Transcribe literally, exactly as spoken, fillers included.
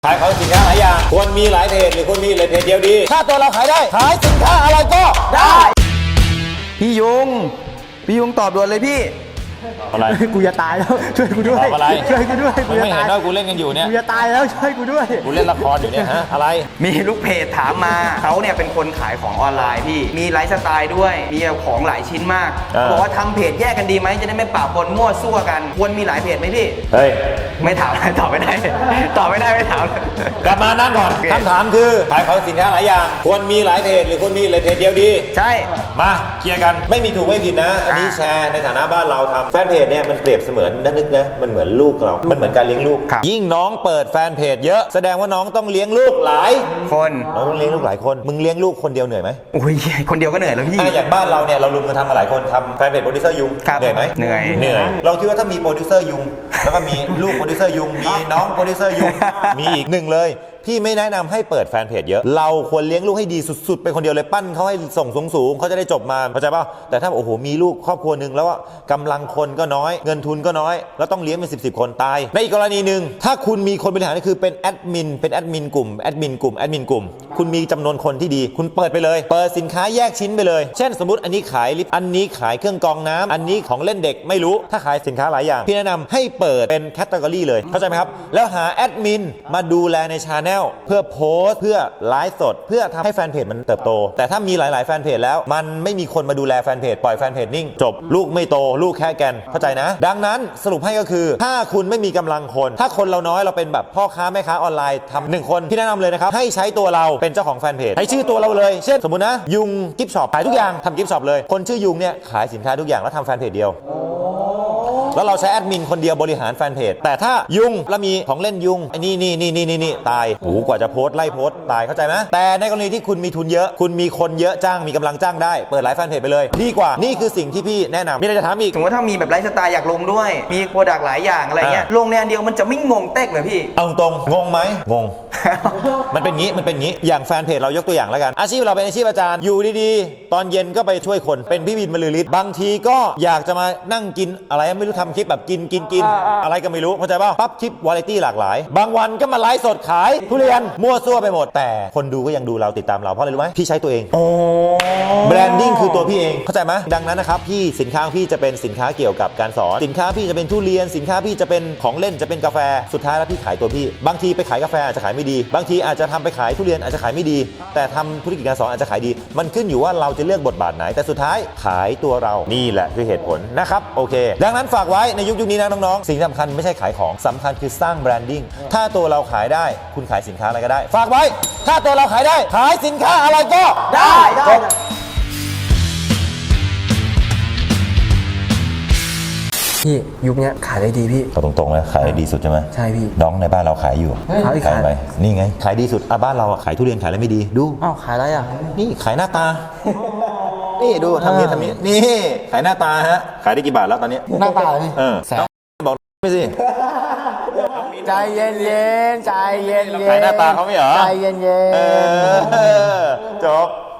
ขายของสินค้าหลายอย่างควรมีหลายเพจหรือควรมีเลยเพจเดียวดีถ้าตัวเราขายได้ขายสินค้าอะไรก็ได้พี่ยุงพี่ยุงตอบด่วนเลยพี่อะไรกูจะตายแล้วช่วยกูด้วยอะไรช่วยกูด้วยมึงไม่เห็นว่ากูเล่นกันอยู่เนี่ยกูจะตายแล้วช่วยกูด้วยกูเล่นละครอยู่เนี่ยฮะอะไรมีลูกเพจถามมาเขาเนี่ยเป็นคนขายของออนไลน์พี่มีไลฟ์สไตล์ด้วยมีของหลายชิ้นมากบอกว่าทำเพจแยกกันดีไหมจะได้ไม่ปะปนมั่วซั่วกันควรมีหลายเพจไหมพี่เฮ้ยไม่ถามตอบไม่ได้ตอบไม่ได้ไม่ถามกลับมานั่งก่อนคำถามคือขายของสินค้าหลายอย่างควรมีหลายเพจหรือควรมีเลยเพจเดียวดีใช่มาเคลียร์กันไม่มีถูกไม่ผิดนะอันนี้แชร์ในฐานะบ้านเราทำแฟนเพจเนี่ยมันเปรียบเสมือนนึกนะมันเหมือนลูกเรามันเหมือนการเลี้ยงลูกยิ่งน้องเปิดแฟนเพจเยอะแสดงว่าน้องต้องเลี้ยงลูกหลายคนน้องต้องเลี้ยงลูกหลายคนมึงเลี้ยงลูกคนเดียวเหนื่อยไหมโอ้ยคนเดียวก็เหนื่อยแล้วพี่อย่างบ้านเราเนี่ยเราลุมกันทำมาหลายคนทำแฟนเพจโปรดิวเซอร์ยุงเหนื่อยไหมเหนื่อยเหนื่อยเราคิดว่าถ้ามีโปรดิวเซอร์ยุงแล้วก็มีลูกโปรดิวเซอร์ยุงมีน้องโปรดิวเซอร์ยุงมีอีกหนึ่งเลยพี่ไม่แนะนำให้เปิดแฟนเพจเยอะเราควรเลี้ยงลูกให้ดีสุดๆเป็นคนเดียวเลยปั้นเขาให้ส่งสูงๆเขาจะได้จบมาเข้าใจป่ะแต่ถ้าโอ้โหมีลูกครอบครัวหนึ่งแล้วกำลังคนก็น้อยเงินทุนก็น้อยแล้วต้องเลี้ยงเป็นสิบสิบคนตายในอีกกรณีหนึ่งถ้าคุณมีคนบริหารคือเป็นแอดมินเป็นแอดมินกลุ่มแอดมินกลุ่มแอดมินกลุ่มคุณมีจำนวนคนที่ดีคุณเปิดไปเลยเปิดสินค้าแยกชิ้นไปเลยเช่นสมมติอันนี้ขายลิปอันนี้ขายเครื่องกรองน้ำอันนี้ของเล่นเด็กไม่รู้ถ้าขายสินค้าหลายอย่างพี่แนะนำให้เปิดเป็นแคตตากรีเลยเข้าใจไหมครับแล้วหาแอดมินมาดูแลในชาแนลเพื่อโพสต์เพื่อไลฟ์สดเพื่อทำให้แฟนเพจมันเติบโตแต่ถ้ามีหลายๆแฟนเพจแล้วมันไม่มีคนมาดูแลแฟนเพจปล่อยแฟนเพจนิ่งจบลูกไม่โตลูกแค่แกนเข้าใจนะดังนั้นสรุปให้ก็คือถ้าคุณไม่มีกำลังคนถ้าคนเราน้อยเราเป็นแบบพ่อค้าแม่ค้าออนไลน์ทำหนึ่งคนพี่แนะนำเลยนะครับให้ใช้ตัวเราเป็นเจ้าของแฟนเพจให้ชื่อตัวเราเลยเช่นสมมุตินะยุงกิฟต์ช็อปขายทุกอย่างทำกิฟต์ช็อปเลยคนชื่อยุงเนี่ยขายสินค้าทุกอย่างแล้วทำแฟนเพจเดียวแล้วเราใช้แอดมินคนเดียวบริหารแฟนเพจแต่ถ้ายุงแล้วมีของเล่นยุงไอ้นี่นี่นี่นี่นี่ตายโอ้โหกว่าจะโพสต์ไล่โพสต์ตายเข้าใจไหมแต่ในกรณีที่คุณมีทุนเยอะคุณมีคนเยอะจ้างมีกำลังจ้างได้เปิดหลายแฟนเพจไปเลยดีกว่านี่คือสิ่งที่พี่แนะนำมีอะไรจะถามอีกสมมติว่าถ้ามีแบบไลฟ์สไตล์อยากลงด้วยมีโปรดักต์หลายอย่างอะไรเงี้ยลงในอันเดียวมันจะไม่งงเต๊กเลยพี่เอาตรงงงไหมงง มันเป็นงี้มันเป็นงี้อย่างแฟนเพจเรายกตัวอย่างแล้วกันอาชีพเราเป็นอาชีพอาจารย์อยู่ดีๆตอนเย็นก็ไปช่วยคนเป็นพี่บินบรรลือฤทธิ์บางทีก็อยากจะมานั่งกินอะไรไม่รู้ทำคลิปแบบกินกินกินอะไรก็ไม่รู้เข้าใจป่ะปั๊บคลิปวาไรตี้หลากหลายบางวันก็มาไลฟ์สดขายทุเรียนมั่วซั่วไปหมดแต่คนดูก็ยังดูเราติดตามเราเพราะอะไรรู้ไหมพี่ใช้ตัวเองโอ้แบรนดิ้งคือตัวพี่เองเข้าใจไหมดังนั้นนะครับพี่สินค้าพี่จะเป็นสินค้าเกี่ยวกับการสอนสินค้าพี่จะเป็นทุเรียนสินค้าพี่จะเป็นของเล่นจะเป็นกาแฟสุดท้ายแล้วพี่ขายตัวพี่บางทีไปขายกาแฟอาจจะขายไม่ดีบางทีอาจจะทำไปขายทุเรียนอาจจะขายไม่ดีแต่ทำธุรกิจการสอนอาจจะขายดีมันขึ้นอยู่ว่าเราจะเลือกบทบาทไหนแต่สุดท้ายขายตัวเรานี่แหละคือเหตุผลนะครับโอเคดังนั้นฝากไว้ในยุคยุคนี้นะน้องๆสิ่งสำคัญไม่ใช่ขายของสำคัญคือสร้างแบรนดิ้งถ้าตัวเราขายได้คุณขายสินค้าอะไรก็ได้ฝากไว้ถ้าตัวเราขายได้ขายสินค้าอะไรก็ได้ได้พี่ยุคนี้ขายได้ดีพี่เอาตรงๆเลยขายดีสุดใช่ไหมใช่พี่น้องในบ้านเราขายอยู่ขายไปนี่ไงขายดีสุดอ่ะบ้านเราขายทุเรียนขายอะไรไม่ดีดูอ้าวขายอะไรอ่ะนี่ขายหน้าตานี่ดูทำนี้ทำนี้นี่ขายหน้าตาฮะขายได้กี่บาทแล้วตอนนี้หน้าตาพี่เออบอกไม่สิใจเย็นเย็นใจเย็นเย็นขายหน้าตาเขาไม่เหรอใจเย็นเย็นเออจบ